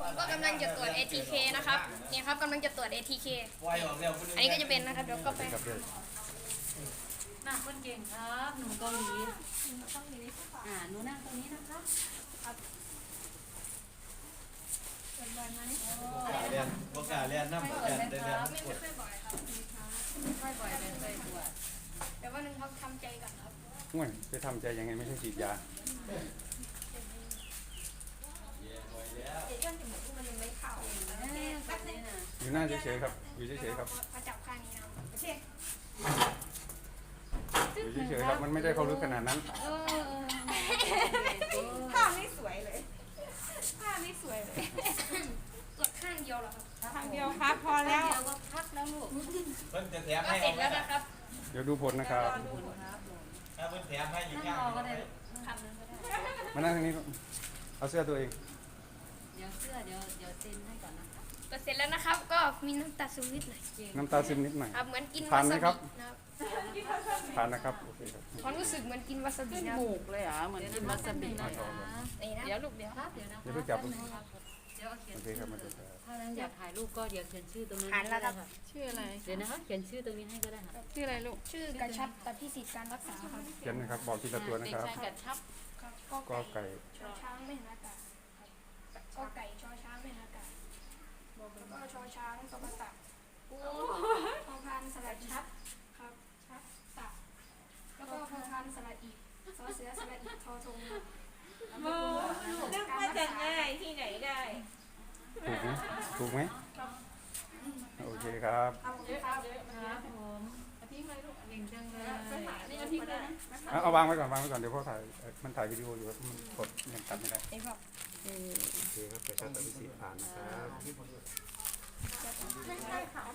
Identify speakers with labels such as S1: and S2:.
S1: ผมก็กำลังจะตรวจ ATK นะครับนี่ครับกำลังจะตรวจ ATK อันนี้ก็จะเป็นนะครับเดี๋ยวก็ไป
S2: น่าคนเก่งครับหนุ่มเกาหลีหนูนั่งตรงนี้นะคะ
S3: เรียนโอกาสเรียนน้ำกันได้เรียน
S1: ไม่ค่อยบ่อยครับ
S2: ค่อยบ่อยเป็นไปตรวจ
S1: แต่ว่านึงครับทำใจก่อนครับ
S4: ห่วยไปทำใจยังไงไม่ใช่ฉีดยา
S1: เดี๋ยวย่นจมูกมันยังไม่เข้า
S2: แบบนี้นะ
S4: อยู่หน้าเฉยๆครับอยู่เฉยๆครับ
S1: มาจับข้างนี้นะโอเค
S4: อยู่เฉยๆครับมันไม่ได้เข้าลึกขนาดนั้น
S5: ภาพไม่สวยเลย
S1: ผ้าไม่สวยเลยตรวจข้างเดียวเหรอครับ
S5: ทางเดียวครับพอแล้ว
S2: เดี๋ยวก็พักแล้วลูก
S3: เพิ่นจะแถม
S1: ก็
S3: ให้
S1: เสร็จแล้วนะครับ
S4: เดี๋ยวดูผลนะครับ
S2: ครับ
S3: ถ้าเพิ่นแถมให้อยู่
S2: นั่ง
S3: ข้าง
S2: รอก็ได้
S1: ครับ
S4: มานั่งตรงนี้เอาเสื้อตัวเอง
S2: เดี๋ยวเสื้อเดี๋ยวเซ็นให้ก่อนนะคะ
S1: ก็เสร็จแล้วนะครับ ก็มีน้ำตาซึมนิดหน่อย
S4: น้ำตาซึมนิดหน่อย
S1: ครับเหมือนกิน
S4: ทา
S1: วาน
S4: ไหม
S1: ซา
S4: ครับ
S1: บินะครับ
S4: ทานนะครับโอเคครับ
S1: ความรู้สึกเหมือนกินวาซาบิ
S5: ขึ้น
S1: นะ
S5: หมูกเลยเหรอเหมือนกินวาซาบิ
S2: นะ
S5: เลย
S2: คะ
S1: นี่นะ
S5: เดี๋ยวลูกเดี๋ยว
S2: ครับเดี๋ยวนะ
S4: เดี๋ยวเพิ่งจับ
S2: เดี๋ยวเอาเขียน
S4: โอเคครับมาดูครับ
S2: ถ้านั้นอยากถ่ายรูปก็เดี๋ยวเขียนชื่อตรงนั้น
S1: อ่านแล้วครับ
S5: ชื่ออะไร
S2: เดี๋ยวนะคะเขียนชื่อตรงนี้ให้ก็ได้ค่ะ
S5: ชื่ออะไรลูก
S1: ชื่อกระชับตัดที่สิทธิการรักษาครับ
S4: เขียนนะครับบอกทีละตัวนะครับ
S5: เด็กชายกัดชับ
S1: ครับ
S4: ก็ไก่
S1: ชอช้างไม่เห็นอากาศครับก็ไก่ชอช้างไม่เห็นอากาศแล้วก็ชอช้างกระตักพอพานสลัดชับครับชับตักแล้วก็พอพานสลัดอีกซอเสือสลัดอีกทอทงแล้วก็
S5: นึกว่าจะง่ายที่ไหนได้
S4: ถูกไหมโอเคครับ
S1: เอาเลยครับ
S2: ครับผมเก่งจังเลย
S5: นี่อาทิตย์เลยนะ
S4: เอาวางไว้ก่อนเดี๋ยวพ่อถ่ายมันถ่ายวิดีโออยู่มันกดยังตัดไม่ได้
S1: ไอ้พวก
S4: โอเคครับแต่ถ้าตัดวิธีผ่านนะครับ
S5: ไม่ใช่ค่ะ